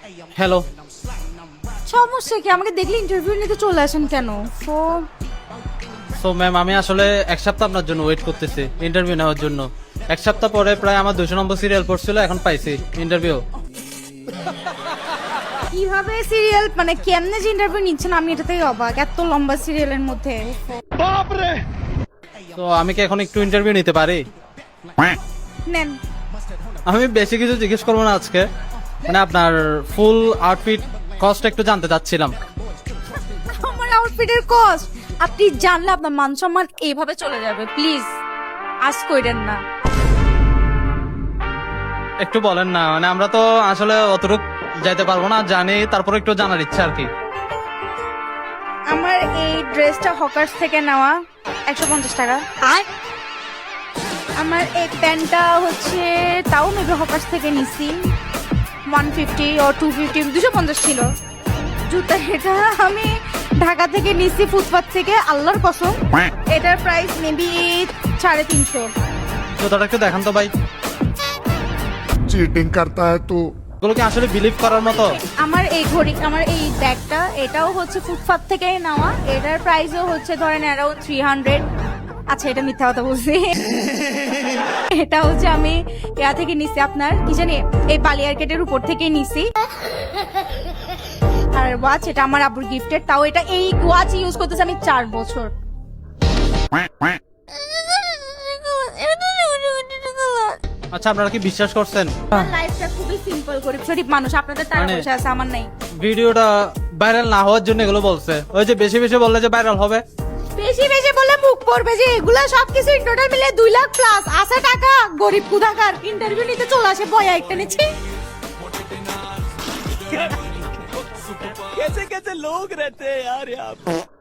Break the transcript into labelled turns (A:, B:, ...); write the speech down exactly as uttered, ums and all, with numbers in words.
A: Hello.
B: সমস্যা কি? আমাকে দেখলে ইন্টারভিউ নিতে চলে আসেন কেন? তো
A: সো ম্যাম, আমি আসলে এক সপ্তাহ আপনার জন্য ওয়েট করতেছি ইন্টারভিউ নেওয়ার জন্য। এক সপ্তাহ পরে প্রায় আমার দুশো নম্বর সিরিয়াল পড়ছিল, এখন পাইছি ইন্টারভিউ।
B: কিভাবে সিরিয়াল মানে কেমনে যে ইন্টারভিউ নিচ্ছেন আমি এটাতেই অবাক, এত লম্বা সিরিয়ালের মধ্যে।
A: তো আমি কি এখন একটু ইন্টারভিউ নিতে পারি?
B: নেন।
A: আমি বেশি কিছু জিজ্ঞেস করবো না আজকে, মানে আপনার ফুল আউটফিট কস্ট একটু জানতে চাচ্ছিলাম।
B: আমার আউটফিটের কস্ট আপনি জানলে আপনার মান সম্মান এইভাবে চলে যাবে। প্লিজ আজ কইরেন না।
A: একটু বলেন না, মানে আমরা তো আসলে অতটুকু যাইতে পারবো না, জানি, তারপর একটু জানার ইচ্ছা আর কি।
B: আমার এই ড্রেসটা হকার্স থেকে নেওয়া, একশো পঞ্চাশ টাকা। আর আমার এই প্যান্টটা হচ্ছে তাও মেবি হকার্স থেকে নিছি, ওয়ান ফিফটি ও টু ফিফটি, দুশো পঞ্চাশ ছিল। জুতা এটা আমি ঢাকা থেকে নিছি, ফুটপাথ থেকে, আল্লাহর কসম। এটার প্রাইস মেবি সাড়ে তিনশো।
A: জুতাটা একটু দেখান তো ভাই।
C: चीटिंग करता है तू।
A: এগুলো কি আসলে বিলিভ করার মতো?
B: আমার এই ঘড়ি, আমার এই ব্যাগটা, এটাও হচ্ছে ফুটপাথ থেকে নেওয়া। এটার প্রাইসও হচ্ছে ধরেন অ্যারাউন্ড থ্রি হান্ড্রেড। আচ্ছা, এটা মিথ্যা কথা বলছি। এটা হচ্ছে আমি ইয়া থেকে নিছি, আপনার কি জানি এই বালিয়ারকেটের উপর থেকে নিছি। আর ওয়াচ, এটা আমার আব্বুর গিফটের, তাও এটা এই ওয়াচ ইউজ করতেছি আমি চার বছর।
A: আচ্ছা, আপনারা কি বিশ্বাস করছেন
B: লাইফটা খুবই সিম্পল, গরিব শরীফ মানুষ, আপনাদের টাকা
A: মানে-
B: পয়সা আছে, আমার নাই।
A: ভিডিওটা ভাইরাল না হওয়ার জন্য এগুলো বলছে? ওই যে বেশি বেশি বললে যে ভাইরাল হবে।
B: বেশি বেশি বলে মুখ পড়বে যে এগুলা সবকিছু টোটাল মিলে দুই লাখ প্লাস আছে টাকা। গরিব কুদাকার ইন্টারভিউ নিতে চলে আসে, বয়া একটা নিচ্ছি।
D: कैसे कैसे लोग रहते हैं यार यहाँ पे।